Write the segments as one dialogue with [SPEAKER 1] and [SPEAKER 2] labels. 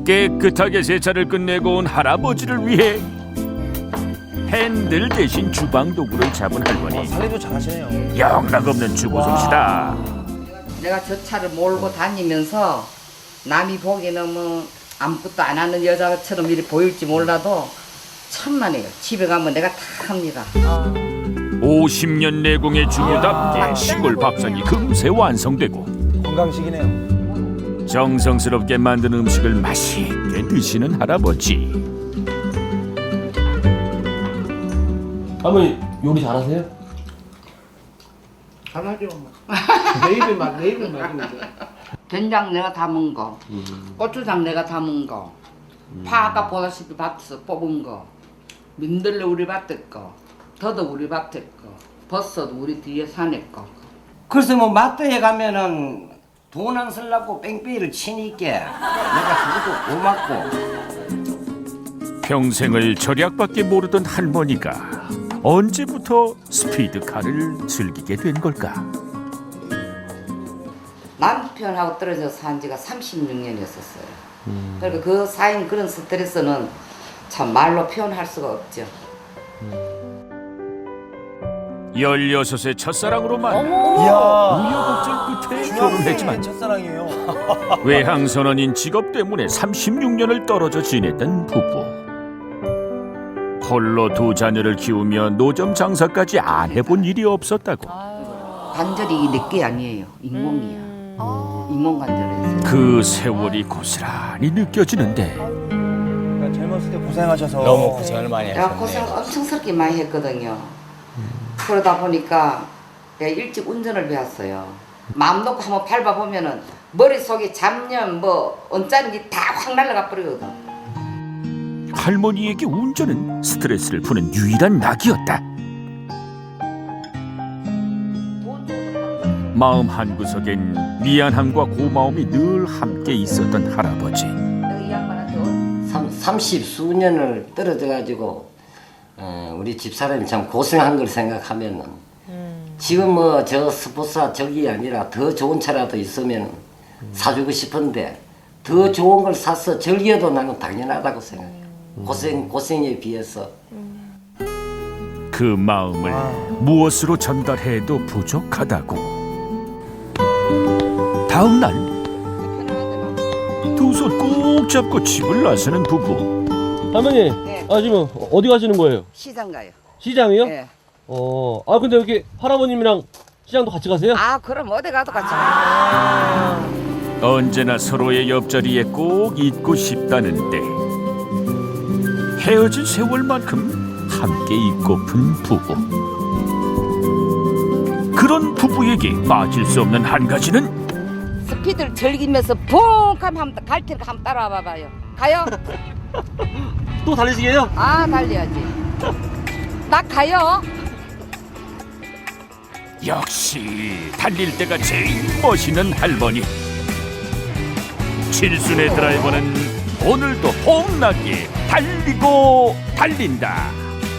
[SPEAKER 1] 깨끗하게 세차를 끝내고 온 할아버지를 위해 핸들 대신 주방 도구를 잡은 할머니.
[SPEAKER 2] 살림도 잘하시네요.
[SPEAKER 1] 영락없는 주부 솜씨다.
[SPEAKER 3] 내가 저 차를 몰고 다니면서 남이 보기에는 뭐 아무것도 안 하는 여자처럼 이렇게 보일지 몰라도 천만에요. 집에 가면 내가 다 합니다.
[SPEAKER 1] 50년 내공의 주부답게 시골 밥상이 금세 완성되고
[SPEAKER 2] 건강식이네요.
[SPEAKER 1] 정성스럽게 만든 음식을 맛있게 드시는 할아버지.
[SPEAKER 4] 할머니 요리 잘하세요?
[SPEAKER 3] 잘하죠.
[SPEAKER 5] 내 입에 맞는데.
[SPEAKER 3] 된장 내가 담은 거, 고추장 내가 담은 거, 파 아까 보다시피 밭에서 뽑은 거, 민들레 우리 밭에 거, 더덕 우리 밭에 거, 버섯 우리 뒤에 산에 거.
[SPEAKER 6] 그래서 뭐 마트에 가면은 돈 안 쓰려고 뺑뺑이를 치니까 내가 그것도 고맙고.
[SPEAKER 1] 평생을 절약밖에 모르던 할머니가 언제부터 스피드카를 즐기게 된 걸까?
[SPEAKER 3] 남편하고 떨어져 산 지가 36년이었었어요. 그러니까 그 쌓인 그런 스트레스는 참 말로 표현할 수가 없죠.
[SPEAKER 1] 16의 첫사랑으로 만나
[SPEAKER 2] 이야.
[SPEAKER 1] 우여곡절 끝에 결혼했지만
[SPEAKER 2] 첫사랑이에요.
[SPEAKER 1] 외항 선언인 직업 때문에 36년을 떨어져 지냈던 부부. 홀로 두 자녀를 키우며 노점 장사까지 안 해본 일이 없었다고.
[SPEAKER 3] 관절이 내게 아니에요. 인공이야. 인공관절에서.
[SPEAKER 1] 그 세월이 고스란히 느껴지는데
[SPEAKER 2] 그러니까 젊었을 때 고생하셔서
[SPEAKER 4] 너무 고생을 많이
[SPEAKER 3] 내가
[SPEAKER 4] 하셨네.
[SPEAKER 3] 고생 엄청스럽게 많이 했거든요. 그러다 보니까 내가 일찍 운전을 배웠어요. 마음 놓고 한번 밟아보면은 머릿속에 잡념 뭐 언짢은 게 다 확 날아가 버리거든.
[SPEAKER 1] 할머니에게 운전은 스트레스를 푸는 유일한 낙이었다. 마음 한구석엔 미안함과 고마움이 늘 함께 있었던 할아버지.
[SPEAKER 3] 내가 이 양반한테
[SPEAKER 6] 30수년을 떨어져 가지고 우리 집사람이 참 고생한 걸 생각하면은 지금 뭐 저 스포츠차 저기 아니라 더 좋은 차라도 있으면 사주고 싶은데 더 좋은 걸 사서 즐겨도 나는 당연하다고 생각해요. 고생에 비해서.
[SPEAKER 1] 그 마음을 무엇으로 전달해도 부족하다고. 다음 날 두 손 꼭 잡고 집을 나서는 부부.
[SPEAKER 4] 할머니,
[SPEAKER 3] 네.
[SPEAKER 4] 지금 어디 가시는 거예요?
[SPEAKER 3] 시장 가요.
[SPEAKER 4] 시장이요?
[SPEAKER 3] 네.
[SPEAKER 4] 근데 여기 할아버님이랑 시장도 같이 가세요?
[SPEAKER 3] 아 그럼 어디 가도 같이 가요.
[SPEAKER 1] 언제나 서로의 옆자리에 꼭 있고 싶다는데 헤어진 세월만큼 함께 있고픈 부부. 그런 부부에게 빠질 수 없는 한 가지는
[SPEAKER 3] 스피드를 즐기면서 붕 하면 한번 갈 테니까 한번 따라와 봐봐요. 가요?
[SPEAKER 4] 또 달리시게요?
[SPEAKER 3] 아 달려야지. 나 가요.
[SPEAKER 1] 역시 달릴 때가 제일 멋있는 할머니. 칠순의 드라이버는 오늘도 홈나게 달리고 달린다.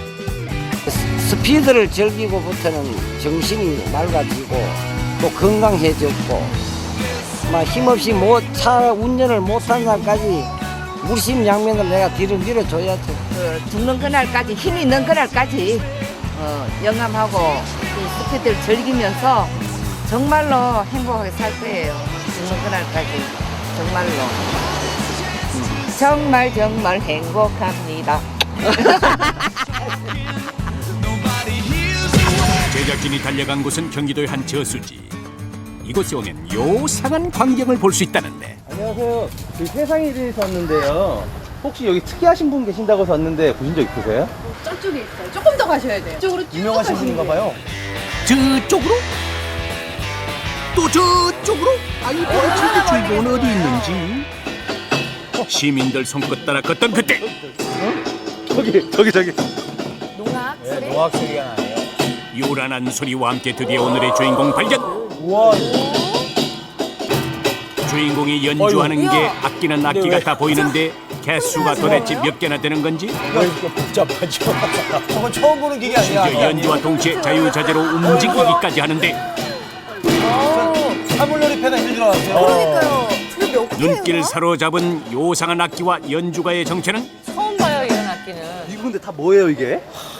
[SPEAKER 6] 스피드를 즐기고부터는 정신이 맑아지고 또 건강해졌고 막 힘없이 차 운전을 못한 날까지 물심양면을 내가 뒤를 밀어줘야죠.
[SPEAKER 3] 죽는 그날까지 힘이 있는 그날까지 영감하고 그 스피드를 즐기면서 정말로 행복하게 살 거예요. 죽는 그날까지 정말로 정말 행복합니다.
[SPEAKER 7] 제작진이 달려간 곳은 경기도의 한 저수지. 이곳에 오면 요상한 광경을 볼 수 있다는데
[SPEAKER 2] 안녕하세요. 세상에 대해서 왔는데요. 혹시 여기 특이하신 분 계신다고 해서 왔는데 보신 적 있으세요?
[SPEAKER 8] 저쪽에 있어요. 조금 더 가셔야 돼요. 이쪽으로 쭉
[SPEAKER 2] 유명하신
[SPEAKER 8] 가시면
[SPEAKER 2] 분인가
[SPEAKER 8] 돼요.
[SPEAKER 2] 봐요.
[SPEAKER 7] 저쪽으로? 또 저쪽으로? 아이 도대체 주인공은 어디 있는지 시민들 손끝 따라 걷던 그때
[SPEAKER 2] 저기.
[SPEAKER 8] 농악
[SPEAKER 2] 네,
[SPEAKER 8] 소리.
[SPEAKER 2] 노악 소리가 나네요.
[SPEAKER 7] 요란한 소리와 함께 드디어 오늘의 주인공 발견.
[SPEAKER 2] 우와.
[SPEAKER 7] 주인공이 연주하는 게 악기는 악기
[SPEAKER 2] 근데 왜-
[SPEAKER 7] 같아 보이는데 개수가 도대체 몇 개나 되는 건지
[SPEAKER 2] 이거 복잡하죠. 저건 처음 보는 기계 아니야?
[SPEAKER 7] 심지어 연주와 동시에 자유자재로 움직이기까지 하는데
[SPEAKER 2] 사물놀이 패다 있는 줄 알았어요.
[SPEAKER 8] 그러니까요. 근데
[SPEAKER 7] 눈길 사로잡은 요상한 악기와 연주가의 정체는
[SPEAKER 9] 처음 봐요 이런 악기는.
[SPEAKER 2] 이거 근데 다 뭐예요 이게?